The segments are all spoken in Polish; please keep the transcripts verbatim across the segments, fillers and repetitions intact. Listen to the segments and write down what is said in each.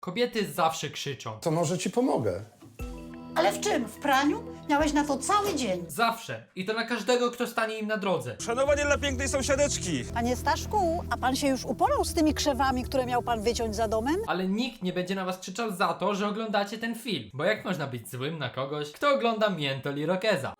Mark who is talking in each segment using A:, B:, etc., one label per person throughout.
A: Kobiety zawsze krzyczą.
B: To może ci pomogę.
C: Ale w czym? W praniu? Miałeś na to cały dzień.
A: Zawsze. I to na każdego, kto stanie im na drodze.
D: Szanowanie dla pięknej sąsiadeczki.
C: Panie Staszku, a pan się już uporał z tymi krzewami, które miał pan wyciąć za domem?
A: Ale nikt nie będzie na was krzyczał za to, że oglądacie ten film. Bo jak można być złym na kogoś, kto ogląda Miętol i Rokeza?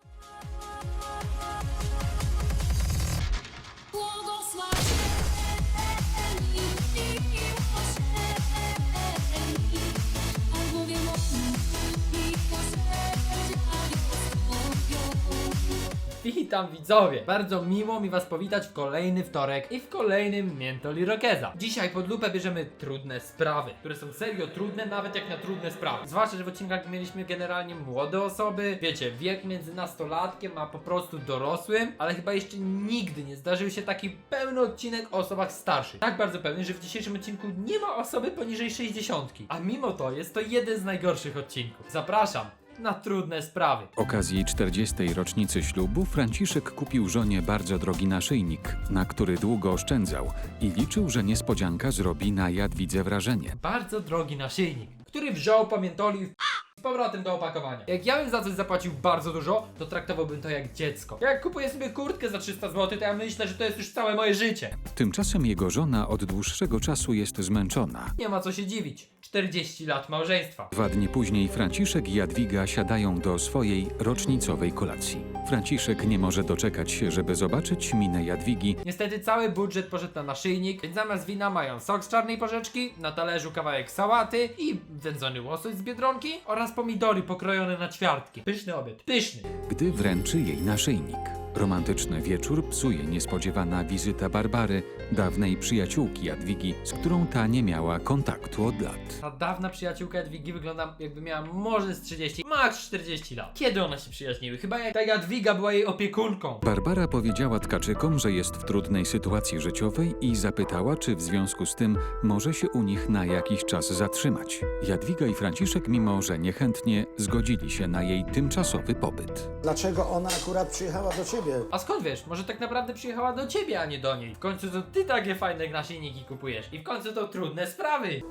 A: Witam widzowie! Bardzo miło mi was powitać w kolejny wtorek i w kolejnym Miętol i Rokeza. Dzisiaj pod lupę bierzemy trudne sprawy, które są serio trudne, nawet jak na trudne sprawy. Zwłaszcza, że w odcinkach mieliśmy generalnie młode osoby, wiecie, wiek między nastolatkiem a po prostu dorosłym, ale chyba jeszcze nigdy nie zdarzył się taki pełny odcinek o osobach starszych. Tak bardzo pełny, że w dzisiejszym odcinku nie ma osoby poniżej sześćdziesiątki. A mimo to jest to jeden z najgorszych odcinków. Zapraszam na trudne sprawy.
E: Z okazji czterdziestej rocznicy ślubu Franciszek kupił żonie bardzo drogi naszyjnik, na który długo oszczędzał i liczył, że niespodzianka zrobi na Jadwidze wrażenie.
A: Bardzo drogi naszyjnik, który wziął, pamiętolił z powrotem do opakowania. Jak ja bym za coś zapłacił bardzo dużo, to traktowałbym to jak dziecko. Jak kupuję sobie kurtkę za trzysta złotych, to ja myślę, że to jest już całe moje życie.
E: Tymczasem jego żona od dłuższego czasu jest zmęczona.
A: Nie ma co się dziwić. czterdzieści lat małżeństwa.
E: Dwa dni później Franciszek i Jadwiga siadają do swojej rocznicowej kolacji. Franciszek nie może doczekać się, żeby zobaczyć minę Jadwigi.
A: Niestety cały budżet poszedł na naszyjnik, więc zamiast wina mają sok z czarnej porzeczki, na talerzu kawałek sałaty i wędzony łosoś z Biedronki oraz pomidory pokrojone na ćwiartki. Pyszny obiad, pyszny.
E: Gdy wręczy jej naszyjnik. Romantyczny wieczór psuje niespodziewana wizyta Barbary, dawnej przyjaciółki Jadwigi, z którą ta nie miała kontaktu od lat.
A: Ta dawna przyjaciółka Jadwigi wygląda, jakby miała może z trzydzieści, max czterdzieści lat. Kiedy one się przyjaźniły? Chyba jak ta Jadwiga była jej opiekunką.
E: Barbara powiedziała tkaczykom, że jest w trudnej sytuacji życiowej i zapytała, czy w związku z tym może się u nich na jakiś czas zatrzymać. Jadwiga i Franciszek, mimo że niechętnie, zgodzili się na jej tymczasowy pobyt.
B: Dlaczego ona akurat przyjechała do ciebie?
A: A skąd wiesz? Może tak naprawdę przyjechała do ciebie, a nie do niej. W końcu to ty takie fajne naszyjniki kupujesz. I w końcu to trudne sprawy.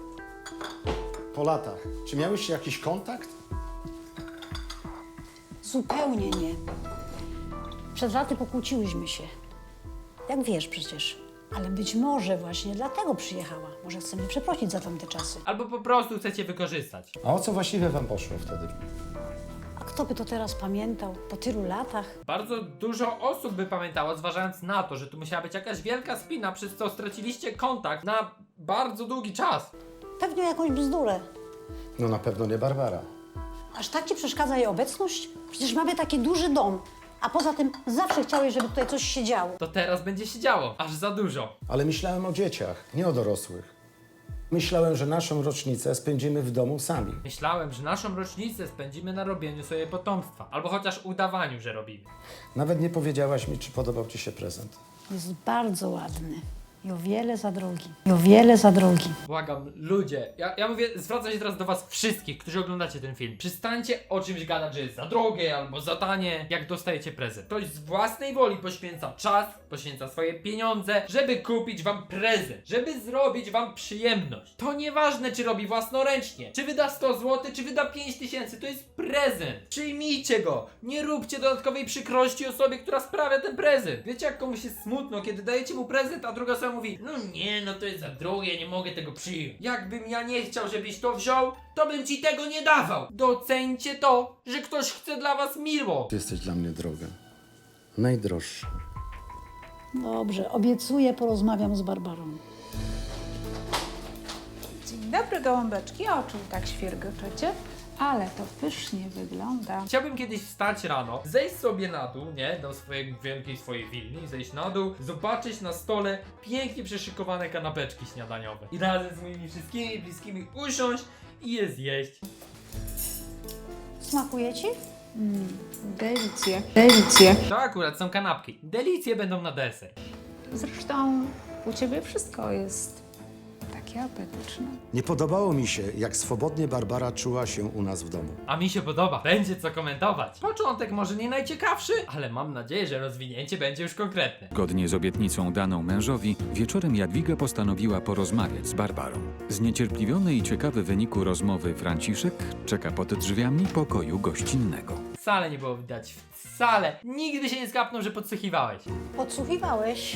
B: Po latach. Czy miałeś jakiś kontakt?
C: Zupełnie nie. Przed laty pokłóciłyśmy się. Jak wiesz przecież. Ale być może właśnie dlatego przyjechała. Może chce mnie przeprosić za tamte czasy.
A: Albo po prostu chcecie wykorzystać.
B: A o co właściwie wam poszło wtedy?
C: A kto by to teraz pamiętał po tylu latach?
A: Bardzo dużo osób by pamiętało, zważając na to, że tu musiała być jakaś wielka spina, przez co straciliście kontakt na bardzo długi czas.
C: Pewnie jakąś bzdurę.
B: No na pewno nie Barbara.
C: Aż tak ci przeszkadza jej obecność? Przecież mamy taki duży dom. A poza tym zawsze chciałeś, żeby tutaj coś się działo.
A: To teraz będzie się działo, aż za dużo.
B: Ale myślałem o dzieciach, nie o dorosłych. Myślałem, że naszą rocznicę spędzimy w domu sami.
A: Myślałem, że naszą rocznicę spędzimy na robieniu sobie potomstwa. Albo chociaż udawaniu, że robimy.
B: Nawet nie powiedziałaś mi, czy podobał ci się prezent.
C: Jest bardzo ładny. I o wiele za drogi. I o wiele za drogi.
A: Błagam, ludzie, ja, ja mówię, zwracam się teraz do was wszystkich, którzy oglądacie ten film. Przestańcie o czymś gadać, że jest za drogie albo za tanie, jak dostajecie prezent. Ktoś z własnej woli poświęca czas, poświęca swoje pieniądze, żeby kupić wam prezent, żeby zrobić wam przyjemność. To nieważne, czy robi własnoręcznie, czy wyda sto złotych, czy wyda pięć tysięcy, to jest prezent. Przyjmijcie go, nie róbcie dodatkowej przykrości osobie, która sprawia ten prezent. Wiecie, jak komuś jest smutno, kiedy dajecie mu prezent, a druga osoba mówi, no nie, no to jest za drogie, nie mogę tego przyjąć. Jakbym ja nie chciał, żebyś to wziął, to bym ci tego nie dawał. Doceńcie to, że ktoś chce dla was miło.
B: Ty jesteś dla mnie droga. Najdroższa.
C: Dobrze, obiecuję, porozmawiam z Barbarą.
F: Dzień dobry, gołąbeczki. O czym tak świergoczecie? Ale to pysznie wygląda.
A: Chciałbym kiedyś wstać rano, zejść sobie na dół, nie, do swojej wielkiej swojej willi, zejść na dół, zobaczyć na stole pięknie przeszykowane kanapeczki śniadaniowe i razem z moimi wszystkimi bliskimi usiąść i je zjeść.
C: Smakuje ci?
F: Delicje. Delicje.
A: To akurat są kanapki. Delicje będą na deser.
F: Zresztą u ciebie wszystko jest takie Takie apetyczne.
B: Nie podobało mi się, jak swobodnie Barbara czuła się u nas w domu.
A: A mi się podoba. Będzie co komentować. Początek może nie najciekawszy, ale mam nadzieję, że rozwinięcie będzie już konkretne.
E: Zgodnie z obietnicą daną mężowi, wieczorem Jadwiga postanowiła porozmawiać z Barbarą. Zniecierpliwiony i ciekawy wyniku rozmowy Franciszek czeka pod drzwiami pokoju gościnnego.
A: Wcale nie było widać. Wcale. Nigdy się nie skapnął, że podsłuchiwałeś.
C: Podsłuchiwałeś?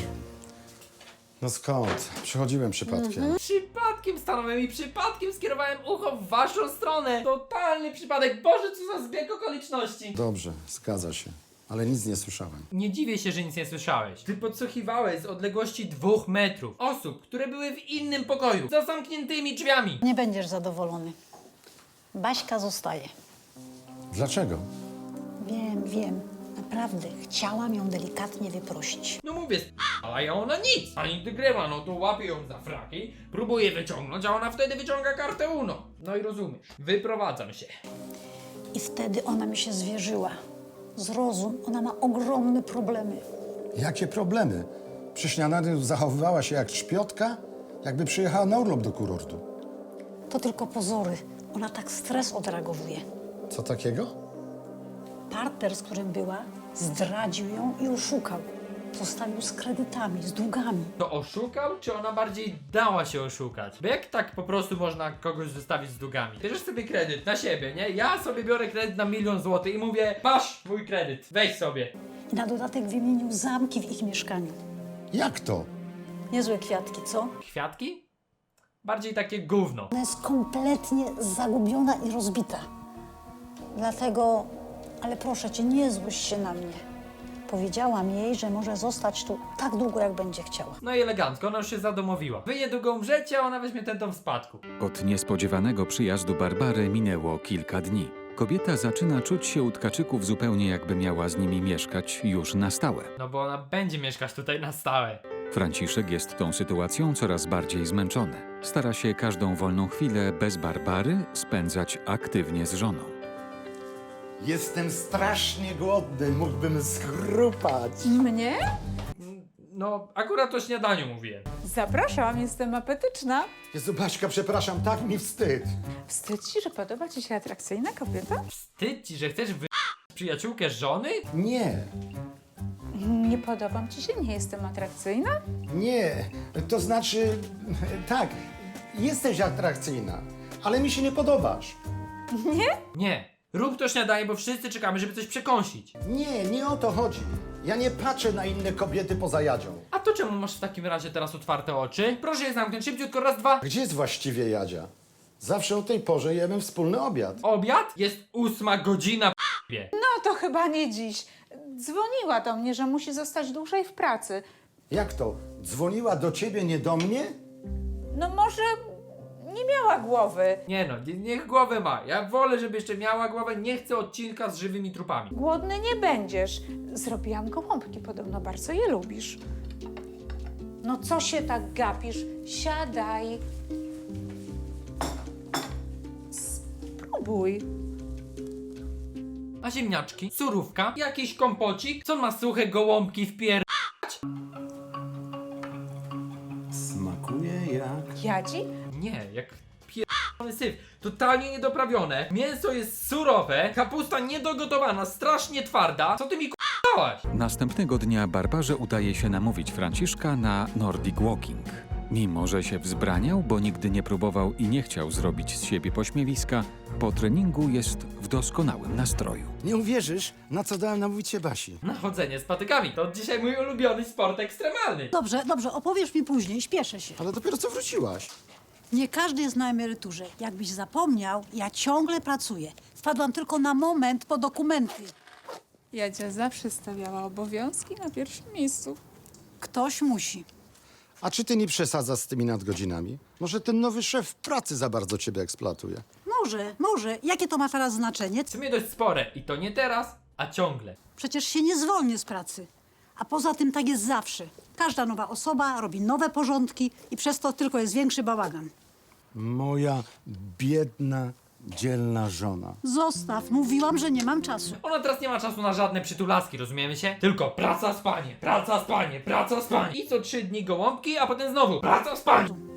B: No skąd? Przychodziłem przypadkiem.
A: Przypadkiem stanąłem i przypadkiem skierowałem ucho w waszą stronę. Totalny przypadek. Boże, co za zbieg okoliczności.
B: Dobrze, zgadza się. Ale nic nie słyszałem.
A: Nie dziwię się, że nic nie słyszałeś. Ty podsłuchiwałeś z odległości dwóch metrów osób, które były w innym pokoju, za zamkniętymi drzwiami.
C: Nie będziesz zadowolony. Baśka zostaje.
B: Dlaczego?
C: Wiem, wiem. Naprawdę, chciałam ją delikatnie wyprosić.
A: No mówię, ale ona nic. Ani gdy grywa, no to łapie ją za fraki, próbuje wyciągnąć, a ona wtedy wyciąga kartę Uno. No i rozumiesz. Wyprowadzam się.
C: I wtedy ona mi się zwierzyła. Zrozum, ona ma ogromne problemy.
B: Jakie problemy? Przy śniadaniu zachowywała się jak szpiotka, jakby przyjechała na urlop do kurortu.
C: To tylko pozory. Ona tak stres odreagowuje.
B: Co takiego?
C: Partner, z którym była, zdradził ją i oszukał. Zostawił z kredytami, z długami.
A: To oszukał, czy ona bardziej dała się oszukać? Bo jak tak po prostu można kogoś zostawić z długami? Bierzesz sobie kredyt na siebie, nie? Ja sobie biorę kredyt na milion złotych i mówię, masz mój kredyt, weź sobie.
C: I na dodatek wymienił zamki w ich mieszkaniu.
B: Jak to?
C: Niezłe kwiatki, co?
A: Kwiatki? Bardziej takie gówno.
C: Ona jest kompletnie zagubiona i rozbita. Dlatego, ale proszę cię, nie złość się na mnie. Powiedziałam jej, że może zostać tu tak długo, jak będzie chciała.
A: No i elegancko, ona już się zadomowiła. Wy niedługo umrzecie, a ona weźmie ten dom w spadku.
E: Od niespodziewanego przyjazdu Barbary minęło kilka dni. Kobieta zaczyna czuć się u tkaczyków zupełnie jakby miała z nimi mieszkać już na stałe.
A: No bo ona będzie mieszkać tutaj na stałe.
E: Franciszek jest tą sytuacją coraz bardziej zmęczony. Stara się każdą wolną chwilę bez Barbary spędzać aktywnie z żoną.
B: Jestem strasznie głodny, mógłbym schrupać.
F: Mnie?
A: No, akurat o śniadaniu mówiłem.
F: Zapraszam, jestem apetyczna.
B: Jezu, Baśka, przepraszam, tak mi wstyd.
F: Wstyd ci, że podoba ci się atrakcyjna kobieta?
A: Wstyd ci, że chcesz wy... przyjaciółkę żony?
B: Nie,
F: Nie podobam ci się? Nie jestem atrakcyjna?
B: nie, to znaczy, tak, jesteś atrakcyjna, ale mi się nie podobasz.
A: Nie. Rób to śniadanie, bo wszyscy czekamy, żeby coś przekąsić.
B: Nie, nie o to chodzi. Ja nie patrzę na inne kobiety poza Jadzią.
A: A to czemu masz w takim razie teraz otwarte oczy? Proszę je zamknąć szybciutko, raz, dwa.
B: Gdzie jest właściwie Jadzia? Zawsze o tej porze jemy wspólny obiad.
A: Obiad? Jest ósma godzina, p***ie.
F: No to chyba nie dziś. Dzwoniła do mnie, że musi zostać dłużej w pracy.
B: Jak to? Dzwoniła do ciebie, nie do mnie?
F: No może nie miała głowy.
A: Nie no, nie- niech głowę ma. Ja wolę, żeby jeszcze miała głowę. Nie chcę odcinka z żywymi trupami.
F: Głodny nie będziesz. Zrobiłam gołąbki, podobno bardzo je lubisz. No co się tak gapisz? Siadaj. Spróbuj.
A: A ziemniaczki? Surówka? Jakiś kompocik? Co ma suche gołąbki w pier...
B: Smakuje jak...
F: Jadzi?
A: Nie, jak pierdolony syf. Totalnie niedoprawione. Mięso jest surowe, kapusta niedogotowana, strasznie twarda. Co ty mi k***ałaś?
E: Następnego dnia Barbarze udaje się namówić Franciszka na Nordic Walking. Mimo że się wzbraniał, bo nigdy nie próbował i nie chciał zrobić z siebie pośmiewiska, po treningu jest w doskonałym nastroju.
B: Nie uwierzysz, na co dałem namówić się Basi.
A: Na chodzenie z patykami. To dzisiaj mój ulubiony sport ekstremalny.
C: Dobrze, dobrze, opowiesz mi później, śpieszę się.
B: Ale dopiero co wróciłaś.
C: Nie każdy jest na emeryturze. Jakbyś zapomniał, ja ciągle pracuję. Wpadłam tylko na moment po dokumenty.
F: Jadzia zawsze stawiała obowiązki na pierwszym miejscu.
C: Ktoś musi.
B: A czy ty nie przesadzasz z tymi nadgodzinami? Może ten nowy szef pracy za bardzo ciebie eksploatuje?
C: Może, może. Jakie to ma teraz znaczenie?
A: W sumie dość spore. I to nie teraz, a ciągle.
C: Przecież się nie zwolnię z pracy. A poza tym tak jest zawsze. Każda nowa osoba robi nowe porządki i przez to tylko jest większy bałagan.
B: Moja biedna, dzielna żona.
C: Zostaw, mówiłam, że nie mam czasu.
A: Ona teraz nie ma czasu na żadne przytulaski, rozumiemy się? Tylko praca, spanie, praca, spanie, praca, spanie. I co trzy dni gołąbki, a potem znowu praca, spanie.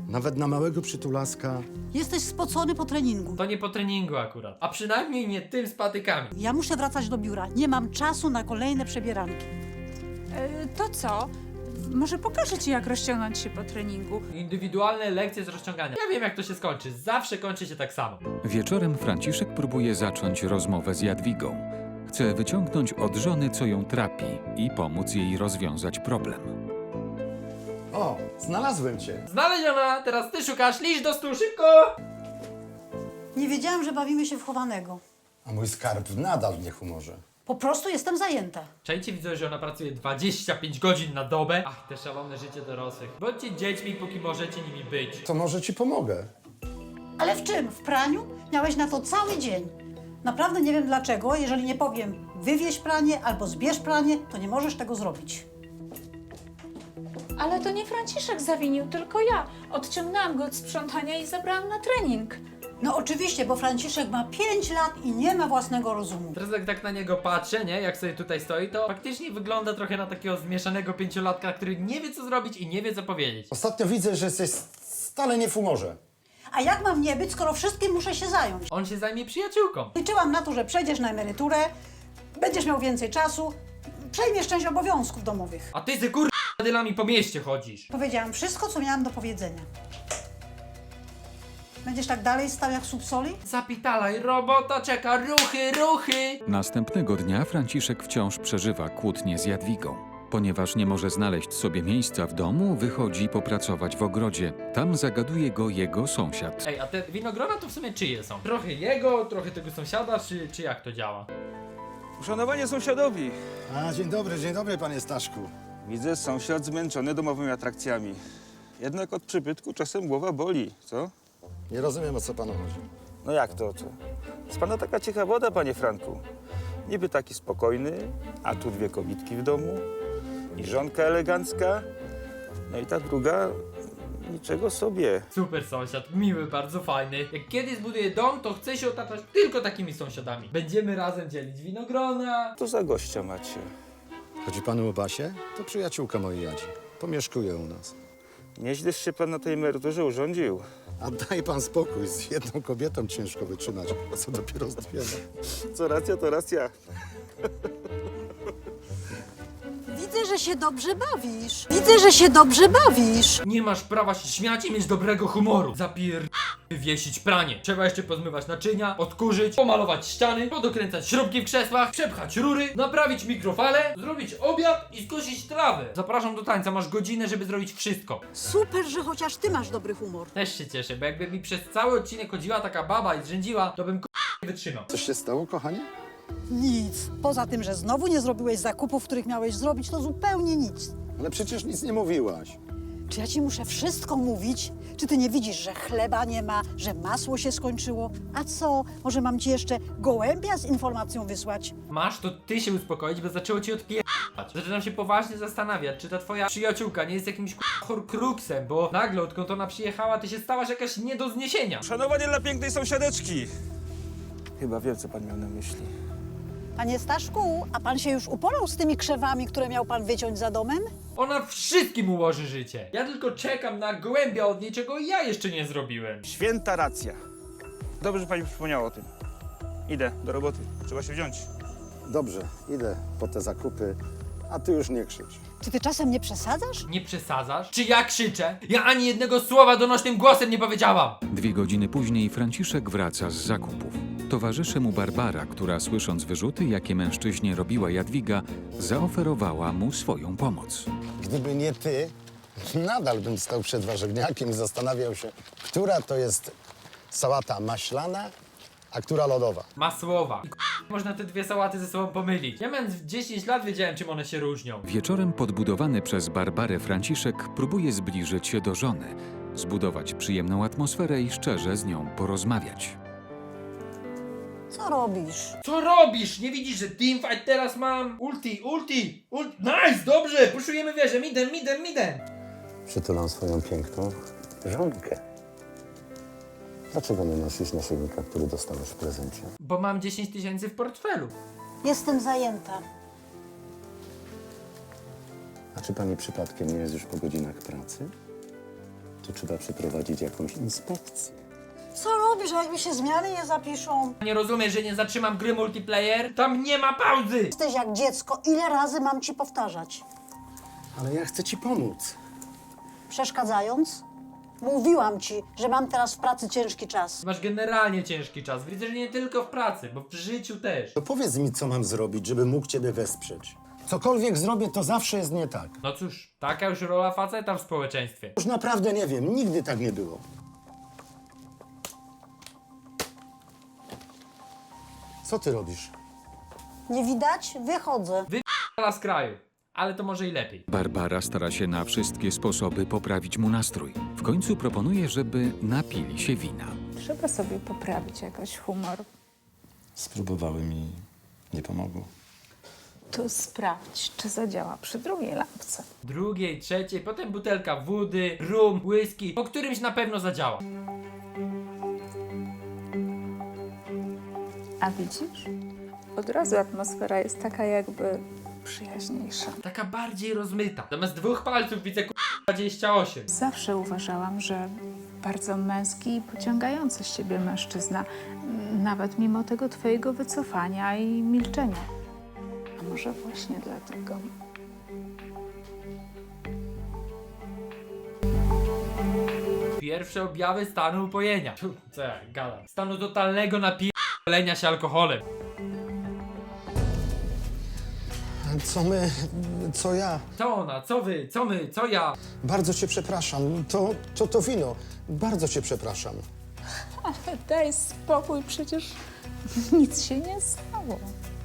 B: Nawet na małego przytulaska.
C: Jesteś spocony po treningu.
A: To nie po treningu akurat. A przynajmniej nie tym z patykami.
C: Ja muszę wracać do biura. Nie mam czasu na kolejne przebieranki.
F: E, to co? Może pokażę ci, jak rozciągnąć się po treningu.
A: Indywidualne lekcje z rozciągania. Ja wiem, jak to się skończy. Zawsze kończy się tak samo.
E: Wieczorem Franciszek próbuje zacząć rozmowę z Jadwigą. Chce wyciągnąć od żony, co ją trapi i pomóc jej rozwiązać problem.
B: O, znalazłem cię.
A: Znaleziona! Teraz ty szukasz. Liść do stu, szybko!
C: Nie wiedziałam, że bawimy się w chowanego.
B: A mój skarb nadal w niehumorze.
C: Po prostu jestem zajęta.
A: Czajcie, widzę, że ona pracuje dwadzieścia pięć godzin na dobę. Ach, te szalone życie dorosłych. Bądźcie dziećmi, póki możecie nimi być.
B: To może ci pomogę.
C: Ale w czym? W praniu? Miałeś na to cały dzień. Naprawdę nie wiem dlaczego. Jeżeli nie powiem wywieź pranie albo zbierz pranie, to nie możesz tego zrobić.
F: Ale to nie Franciszek zawinił, tylko ja. Odciągnęłam go od sprzątania i zabrałam na trening.
C: No oczywiście, bo Franciszek ma pięć lat i nie ma własnego rozumu.
A: Teraz jak tak na niego patrzę, nie? Jak sobie tutaj stoi, to faktycznie wygląda trochę na takiego zmieszanego pięciolatka, który nie wie, co zrobić i nie wie, co powiedzieć.
B: Ostatnio widzę, że jesteś stale nie w humorze.
C: A jak mam nie być, skoro wszystkim muszę się zająć?
A: On się zajmie przyjaciółką.
C: Liczyłam na to, że przejdziesz na emeryturę, będziesz miał więcej czasu, przejmiesz część obowiązków domowych.
A: A ty z kur... dylami po mieście chodzisz.
C: Powiedziałam wszystko, co miałam do powiedzenia. Będziesz tak dalej stał jak słup soli?
A: Zapitalaj, robota czeka, ruchy, ruchy!
E: Następnego dnia Franciszek wciąż przeżywa kłótnie z Jadwigą. Ponieważ nie może znaleźć sobie miejsca w domu, wychodzi popracować w ogrodzie. Tam zagaduje go jego sąsiad.
A: Ej, a te winogrona to w sumie czyje są? Trochę jego, trochę tego sąsiada, czy, czy jak to działa?
D: Uszanowanie sąsiadowi.
B: A, dzień dobry, dzień dobry, panie Staszku.
D: Widzę, sąsiad zmęczony domowymi atrakcjami. Jednak od przybytku czasem głowa boli, co?
B: Nie rozumiem, o co panu chodzi.
D: No jak to, co? Z pana taka cicha woda, panie Franku. Niby taki spokojny, a tu dwie kobitki w domu i żonka elegancka. No i ta druga, niczego sobie.
A: Super sąsiad, miły, bardzo fajny. Jak kiedyś zbuduję dom, to chcę się otaczać tylko takimi sąsiadami. Będziemy razem dzielić winogrona.
D: To za gościa macie.
B: Chodzi panu o Basię? To przyjaciółka mojej Jadzi. Pomieszkuje u nas.
D: Nieźleś się pan na tej emeryturze urządził.
B: A daj pan spokój, z jedną kobietą ciężko wytrzymać, co dopiero z dwiema.
D: Co racja, to racja.
C: Widzę, że się dobrze bawisz. Widzę, że się dobrze bawisz.
A: Nie masz prawa się śmiać i mieć dobrego humoru. Zapier... wywiesić pranie. Trzeba jeszcze pozmywać naczynia, odkurzyć, pomalować ściany, podokręcać śrubki w krzesłach, przepchać rury, naprawić mikrofale, zrobić obiad i skosić trawę. Zapraszam do tańca, masz godzinę, żeby zrobić wszystko.
C: Super, że chociaż ty masz dobry humor.
A: Też się cieszę, bo jakby mi przez cały odcinek chodziła taka baba i zrzędziła, to bym k***a nie wytrzymał.
B: Coś się stało, kochanie?
C: Nic. Poza tym, że znowu nie zrobiłeś zakupów, których miałeś zrobić, to zupełnie nic.
B: Ale przecież nic nie mówiłaś.
C: Czy ja ci muszę wszystko mówić? Czy ty nie widzisz, że chleba nie ma, że masło się skończyło? A co? Może mam ci jeszcze gołębia z informacją wysłać?
A: Masz to ty się uspokoić, bo zaczęło ci odpierdać. Zaczynam się poważnie zastanawiać, czy ta twoja przyjaciółka nie jest jakimś k***a horcruxem, bo nagle odkąd ona przyjechała, ty się stałaś jakaś nie do zniesienia.
D: Uszanowanie dla pięknej sąsiadeczki. Chyba wiem, co pan miał na myśli.
C: Panie Staszku, a pan się już uporał z tymi krzewami, które miał pan wyciąć za domem?
A: Ona wszystkim ułoży życie. Ja tylko czekam na gołębia od niej, czego ja jeszcze nie zrobiłem.
D: Święta racja. Dobrze, że pani przypomniała o tym. Idę do roboty. Trzeba się wziąć.
B: Dobrze, idę po te zakupy, a ty już nie krzycz.
C: Czy ty czasem nie przesadzasz?
A: Nie przesadzasz? Czy ja krzyczę? Ja ani jednego słowa donośnym głosem nie powiedziałam.
E: Dwie godziny później Franciszek wraca z zakupów. Towarzyszy mu Barbara, która słysząc wyrzuty, jakie mężczyźnie robiła Jadwiga, zaoferowała mu swoją pomoc.
B: Gdyby nie ty, nadal bym stał przed warzywniakiem i zastanawiał się, która to jest sałata maślana, a która lodowa.
A: Masłowa. I k***, można te dwie sałaty ze sobą pomylić. Ja mając dziesięć lat wiedziałem, czym one się różnią.
E: Wieczorem podbudowany przez Barbarę Franciszek próbuje zbliżyć się do żony, zbudować przyjemną atmosferę i szczerze z nią porozmawiać.
C: Co robisz?
A: Co robisz? Nie widzisz, że teamfight teraz mam? Ulti, ulti, ulti. Nice, dobrze, puszujemy wieżę, midem, midem, midem.
B: Przytulam swoją piękną żonkę. Dlaczego nie nosisz naszyjnika, który dostałeś w prezencie?
A: Bo mam dziesięć tysięcy w portfelu.
C: Jestem zajęta.
B: A czy pani przypadkiem nie jest już po godzinach pracy? to trzeba przeprowadzić jakąś inspekcję.
C: Co robisz, a jak mi się zmiany nie zapiszą?
A: Nie rozumiesz, że nie zatrzymam gry multiplayer? Tam nie ma pauzy!
C: Jesteś jak dziecko, ile razy mam ci powtarzać?
B: Ale ja chcę ci pomóc.
C: Przeszkadzając? Mówiłam ci, że mam teraz w pracy ciężki czas.
A: Masz generalnie ciężki czas. Widzę, że nie tylko w pracy, bo w życiu też.
B: To powiedz mi, co mam zrobić, żeby mógł ciebie wesprzeć. Cokolwiek zrobię, to zawsze jest nie tak.
A: No cóż, taka już rola faceta w społeczeństwie.
B: Już naprawdę nie wiem, nigdy tak nie było. Co ty robisz?
C: Nie widać? Wychodzę.
A: Wypala z kraju. Ale to może i lepiej.
E: Barbara stara się na wszystkie sposoby poprawić mu nastrój. W końcu proponuje, żeby napili się wina.
F: Trzeba sobie poprawić jakoś humor.
D: Spróbowałem i nie pomogło.
F: To sprawdź, czy zadziała przy drugiej lampce.
A: Drugiej, trzeciej, potem butelka wody, rum, whisky. Po którymś na pewno zadziała.
F: A widzisz? Od razu atmosfera jest taka jakby przyjaźniejsza.
A: Taka bardziej rozmyta. Zamiast dwóch palców widzę k***a dwadzieścia osiem.
F: Zawsze uważałam, że bardzo męski i pociągający z ciebie mężczyzna, nawet mimo tego twojego wycofania i milczenia. A może właśnie dlatego.
A: Pierwsze objawy stanu upojenia. Tu, co ja gadam. Stanu totalnego napijania się alkoholem.
B: Co my, co ja?
A: Co ona, co wy, co my, co ja?
B: Bardzo cię przepraszam. To, to to wino. Bardzo cię przepraszam.
F: Ale daj spokój, przecież nic się nie stało.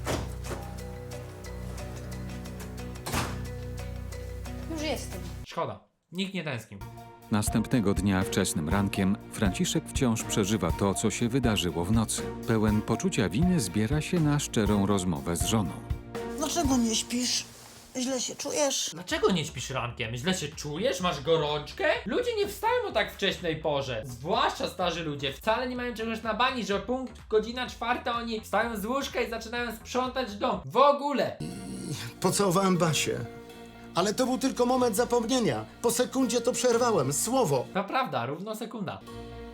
C: Już jestem.
A: Szkoda. Nikt nie tęsknił.
E: Następnego dnia wczesnym rankiem Franciszek wciąż przeżywa to, co się wydarzyło w nocy. Pełen poczucia winy zbiera się na szczerą rozmowę z żoną.
C: Dlaczego nie śpisz? Źle się czujesz?
A: Dlaczego nie śpisz rankiem? Źle się czujesz? Masz gorączkę? Ludzie nie wstają o tak wcześniej porze. Zwłaszcza starzy ludzie. Wcale nie mają czegoś na bani, że o punkt godzina czwarta oni wstają z łóżka i zaczynają sprzątać dom. W ogóle!
B: Pocałowałem Basię. Ale to był tylko moment zapomnienia. Po sekundzie to przerwałem. Słowo.
A: To prawda, równo sekunda.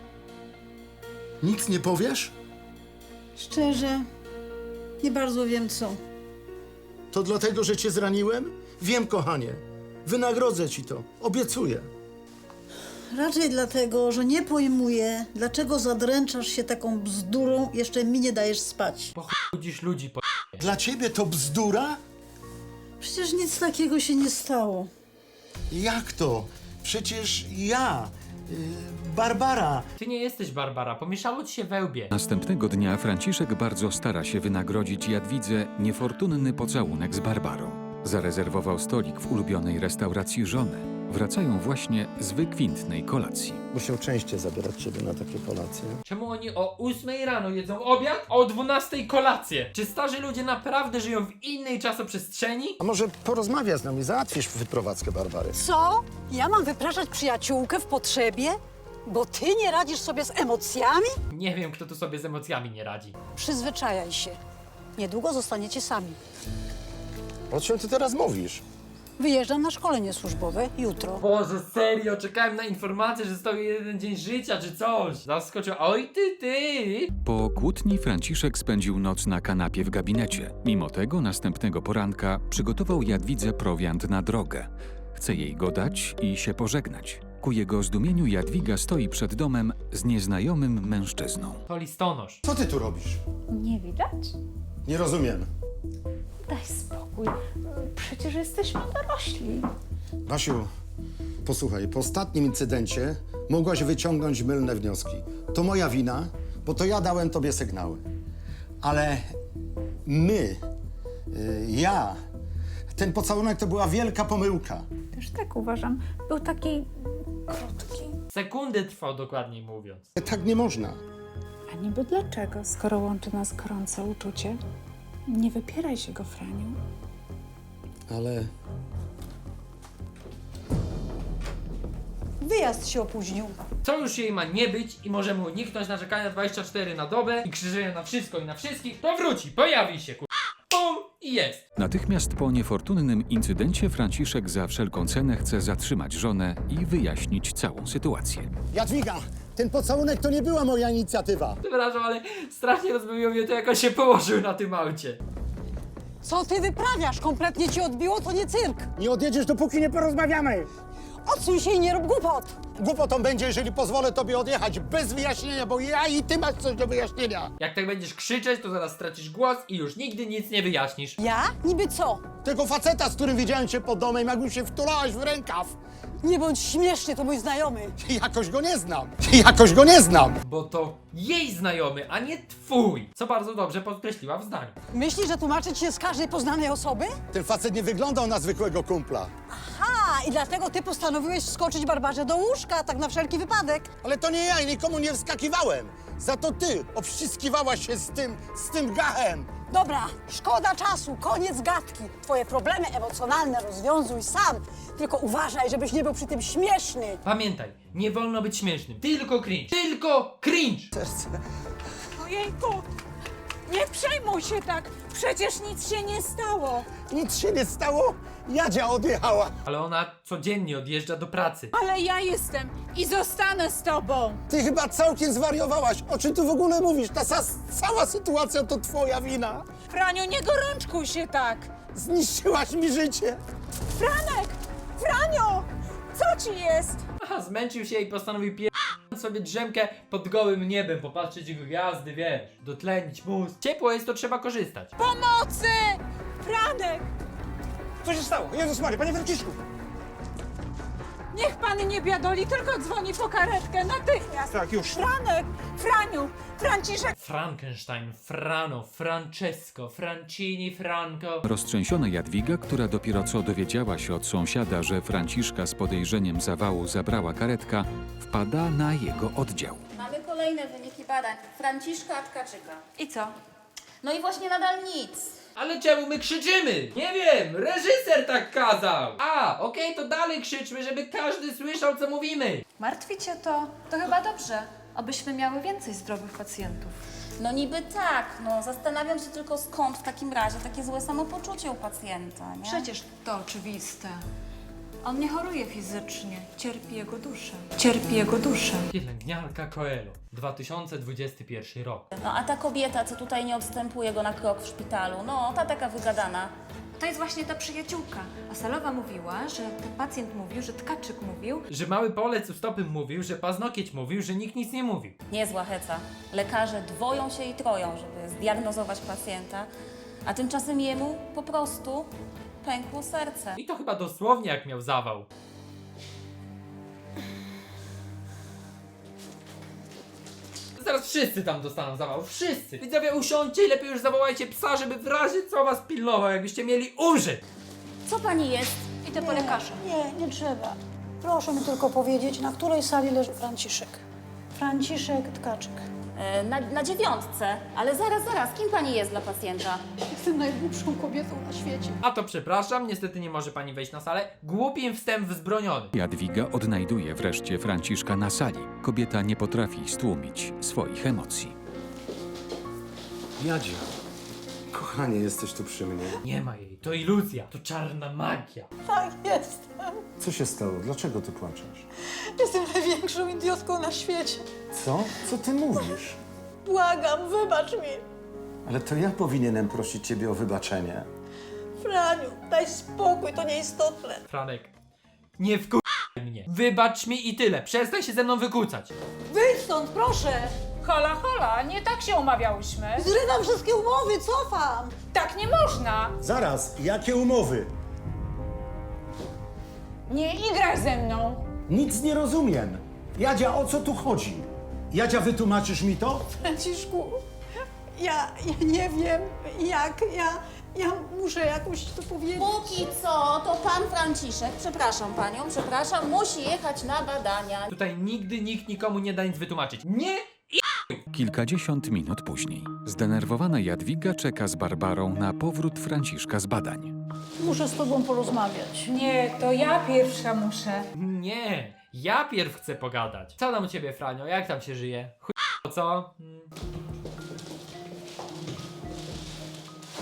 B: Nic nie powiesz?
C: Szczerze, nie bardzo wiem co.
B: To dlatego, że cię zraniłem? Wiem, kochanie. Wynagrodzę ci to. Obiecuję.
C: Raczej dlatego, że nie pojmuję, dlaczego zadręczasz się taką bzdurą, jeszcze mi nie dajesz spać.
A: Budzisz ludzi po...
B: Dla ciebie to bzdura?
C: Przecież nic takiego się nie stało.
B: Jak to? Przecież ja, yy, Barbara.
A: Ty nie jesteś Barbara, pomieszało ci się we łbie.
E: Następnego dnia Franciszek bardzo stara się wynagrodzić Jadwidze niefortunny pocałunek z Barbarą. Zarezerwował stolik w ulubionej restauracji żony. Wracają właśnie z wykwintnej kolacji.
B: Musiał częściej zabierać ciebie na takie kolacje.
A: Czemu oni o ósmej rano jedzą obiad, a o dwunastej kolację? Czy starzy ludzie naprawdę żyją w innej czasoprzestrzeni?
B: A może porozmawiaj z nami, załatwisz wyprowadzkę Barbary.
C: Co? Ja mam wypraszać przyjaciółkę w potrzebie? Bo ty nie radzisz sobie z emocjami?
A: Nie wiem, kto tu sobie z emocjami nie radzi.
C: Przyzwyczajaj się. Niedługo zostaniecie sami.
B: O czym ty teraz mówisz?
C: Wyjeżdżam na szkolenie służbowe jutro.
A: Boże, serio, czekałem na informację, że stoi jeden dzień życia czy coś. Zaskoczył. Oj ty, ty!
E: Po kłótni Franciszek spędził noc na kanapie w gabinecie. Mimo tego następnego poranka przygotował Jadwidze prowiant na drogę. Chce jej go dać i się pożegnać. Ku jego zdumieniu Jadwiga stoi przed domem z nieznajomym mężczyzną.
A: To listonosz.
B: Co ty tu robisz?
F: Nie widać?
B: Nie rozumiem.
F: Daj spokój. Przecież jesteśmy dorośli.
B: Basiu, posłuchaj, po ostatnim incydencie mogłaś wyciągnąć mylne wnioski. To moja wina, bo to ja dałem tobie sygnały. Ale my, y, ja, ten pocałunek to była wielka pomyłka.
F: Też tak uważam. Był taki krótki.
A: Sekundy trwał, dokładniej mówiąc.
B: Tak nie można.
F: A niby dlaczego, skoro łączy nas gorące uczucie? Nie wypieraj się go, Franiu.
B: Ale
C: Wyjazd się opóźnił.
A: Co już jej ma nie być i możemy uniknąć narzekania dwadzieścia cztery na dobę i krzyżenia na wszystko i na wszystkich, to wróci, pojawi się, kur... pum i jest.
E: Natychmiast po niefortunnym incydencie Franciszek za wszelką cenę chce zatrzymać żonę i wyjaśnić całą sytuację.
B: Jadwiga, ten pocałunek to nie była moja inicjatywa.
A: Przepraszam, ale strasznie rozbawiło mnie to, jak on się położył na tym aucie.
G: Co ty wyprawiasz? Kompletnie ci odbiło? To nie cyrk.
B: Nie odjedziesz, dopóki nie porozmawiamy.
G: Odsuń się i nie rób głupot.
B: Głupotą będzie, jeżeli pozwolę tobie odjechać bez wyjaśnienia, bo ja i ty masz coś do wyjaśnienia.
A: Jak tak będziesz krzyczeć, to zaraz stracisz głos i już nigdy nic nie wyjaśnisz.
G: Ja? Niby co?
B: Tego faceta, z którym widziałem cię pod domem, jakbym się wtulałaś w rękaw.
G: Nie bądź śmieszny, to mój znajomy.
B: Jakoś go nie znam. Jakoś go nie znam.
A: Bo to jej znajomy, a nie twój. Co bardzo dobrze podkreśliła w zdaniu.
G: Myślisz, że tłumaczyć się z każdej poznanej osoby?
B: Ten facet nie wyglądał na zwykłego kumpla.
G: Ha! I dlatego ty postanowiłeś wskoczyć Barbarze do łóżka, tak na wszelki wypadek.
B: Ale to nie ja i nikomu nie wskakiwałem. Za to ty obściskiwałaś się z tym, z tym gachem.
G: Dobra, szkoda czasu, koniec gadki. Twoje problemy emocjonalne rozwiązuj sam. Tylko uważaj, żebyś nie był przy tym śmieszny.
A: Pamiętaj, nie wolno być śmiesznym. Tylko cringe. Tylko cringe!
F: Ojejku, nie przejmuj się tak, przecież nic się nie stało.
B: Nic się nie stało. Jadzia odjechała.
A: Ale ona codziennie odjeżdża do pracy.
F: Ale ja jestem i zostanę z tobą.
B: Ty chyba całkiem zwariowałaś. O czym ty w ogóle mówisz? Ta sa- cała sytuacja to twoja wina.
F: Franiu, nie gorączkuj się tak.
B: Zniszczyłaś mi życie.
F: Franek, Franio, co ci jest?
A: Aha, zmęczył się i postanowił pie... sobie drzemkę pod gołym niebem, popatrzeć jego gwiazdy, wiesz, dotlenić mózg. Ciepło jest, to trzeba korzystać.
F: Pomocy! Franek,
B: Co się stało? Jezus Maria, panie Franciszku.
F: niech pan nie biadoli, tylko dzwoni po karetkę natychmiast.
B: Tak, już.
F: Franek, Franiu, Franciszek.
A: Frankenstein, Frano, Francesco, Francini, Franco.
E: Roztrzęsiona Jadwiga, która dopiero co dowiedziała się od sąsiada, że Franciszka z podejrzeniem zawału zabrała karetka, wpada na jego oddział.
H: Mamy kolejne wyniki badań. Franciszka Tkaczyka.
I: I co?
H: No i właśnie nadal nic.
A: Ale czemu my krzyczymy? Nie wiem, reżyser tak kazał. A, okej, to dalej krzyczmy, żeby każdy słyszał, co mówimy.
I: Martwi cię to? To chyba dobrze. Obyśmy miały więcej zdrowych pacjentów.
H: No niby tak, no zastanawiam się tylko skąd w takim razie takie złe samopoczucie u pacjenta, nie?
I: Przecież to oczywiste. On nie choruje fizycznie, cierpi jego duszę. Cierpi jego duszę.
A: Pielęgniarka Coelho, dwa tysiące dwudziesty pierwszy rok.
H: No a ta kobieta, co tutaj nie odstępuje go na krok w szpitalu, no ta taka wygadana.
I: To jest właśnie ta przyjaciółka. A Salowa mówiła, że ten pacjent mówił, że Tkaczyk mówił,
A: Że mały polec u stopy mówił, że paznokieć mówił, że nikt nic nie mówił.
H: Niezła heca. Lekarze dwoją się i troją, żeby zdiagnozować pacjenta, a tymczasem jemu po prostu pękło serce.
A: I to chyba dosłownie jak miał zawał. Zaraz wszyscy tam dostaną zawał, wszyscy! Widzowie, usiądźcie i lepiej już zawołajcie psa, żeby w razie co was pilnował, jakbyście mieli umrzeć!
H: Co pani jest?
I: idę po lekarza.
C: Nie, nie trzeba. Proszę mi tylko powiedzieć, na której sali leży Franciszek. Franciszek Tkaczyk.
H: E, Na, na dziewiątce. Ale zaraz, zaraz, kim pani jest dla pacjenta?
C: Jestem najgłupszą kobietą na świecie.
A: A to przepraszam, niestety nie może pani wejść na salę. Głupim wstęp wzbroniony.
E: Jadwiga odnajduje wreszcie Franciszka na sali. Kobieta nie potrafi stłumić swoich emocji.
B: Jadzia, kochanie, jesteś tu przy mnie.
A: Nie ma jej, to iluzja, to czarna magia.
G: Tak, jestem.
B: Co się stało? Dlaczego ty płaczesz?
G: Jestem największą idiotką na świecie.
B: Co? Co ty mówisz?
G: Błagam, wybacz mi.
B: Ale to ja powinienem prosić ciebie o wybaczenie.
G: Franiu, daj spokój, to nieistotne.
A: Franek, nie wkurwaj mnie. Wybacz mi i tyle, przestań się ze mną wykłócać.
G: Wyjdź stąd, proszę.
F: Hola, hola, nie tak się umawiałyśmy.
G: Zrywam wszystkie umowy, cofam.
F: Tak nie można.
B: Zaraz, jakie umowy?
F: Nie igraj ze mną.
B: Nic nie rozumiem. Jadzia, o co tu chodzi? Jadzia, wytłumaczysz mi to?
G: Franciszku, ja, ja nie wiem jak, ja, ja muszę jakoś to powiedzieć.
H: Póki co, to pan Franciszek, przepraszam panią, przepraszam, musi jechać na badania.
A: Tutaj nigdy nikt nikomu nie da nic wytłumaczyć. Nie i
E: Kilkadziesiąt minut później. Zdenerwowana Jadwiga czeka z Barbarą na powrót Franciszka z badań.
C: Muszę z tobą porozmawiać.
F: Nie, to ja pierwsza muszę.
A: Nie, ja pierw chcę pogadać. Co tam u ciebie, Franio? Jak tam się żyje? Chuj, co? Hmm.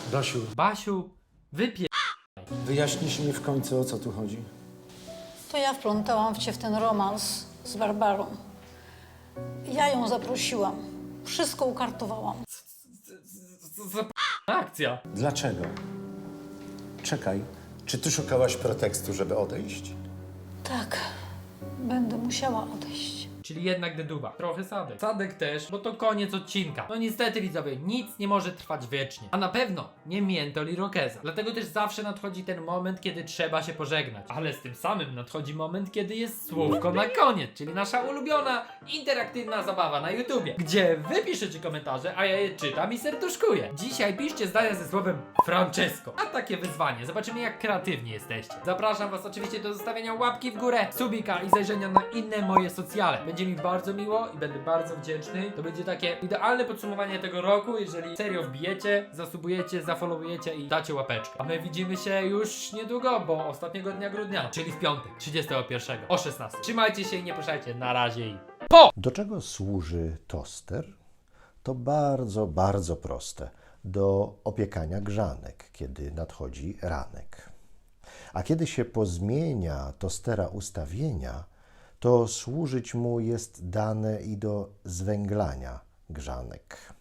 B: Basiu,
A: Basiu, wypie...
B: wyjaśnisz mi w końcu, o co tu chodzi?
C: To ja wplątałam cię w ten romans z Barbarą. Ja ją zaprosiłam. Wszystko ukartowałam.
A: Co za p- akcja?
B: Dlaczego? Czekaj, czy ty szukałaś pretekstu, żeby odejść?
C: Tak, będę musiała odejść.
A: Czyli jednak deduwa. Trochę Sadek. Sadek też, bo to koniec odcinka. No niestety widzowie, nic nie może trwać wiecznie. A na pewno nie Miętol i Rokeza. Dlatego też zawsze nadchodzi ten moment, kiedy trzeba się pożegnać. Ale z tym samym nadchodzi moment, kiedy jest słówko na koniec. Czyli nasza ulubiona, interaktywna zabawa na YouTubie. Gdzie wy piszecie komentarze, a ja je czytam i serduszkuję. Dzisiaj piszcie zdania ze słowem Francesco. A takie wyzwanie. Zobaczymy jak kreatywni jesteście. Zapraszam was oczywiście do zostawienia łapki w górę, subika i zajrzenia na inne moje socjale. Będzie mi bardzo miło i będę bardzo wdzięczny. To będzie takie idealne podsumowanie tego roku, jeżeli serio wbijecie, zasubujecie, zafollowujecie i dacie łapeczkę. A my widzimy się już niedługo, bo ostatniego dnia grudnia, czyli w piątek, trzydziestego pierwszego o szesnastej. Trzymajcie się i nie puszczajcie. Na razie i po!
J: Do czego służy toster? To bardzo, bardzo proste. Do opiekania grzanek, kiedy nadchodzi ranek. A kiedy się pozmienia tostera ustawienia, to służyć mu jest dane i do zwęglania grzanek.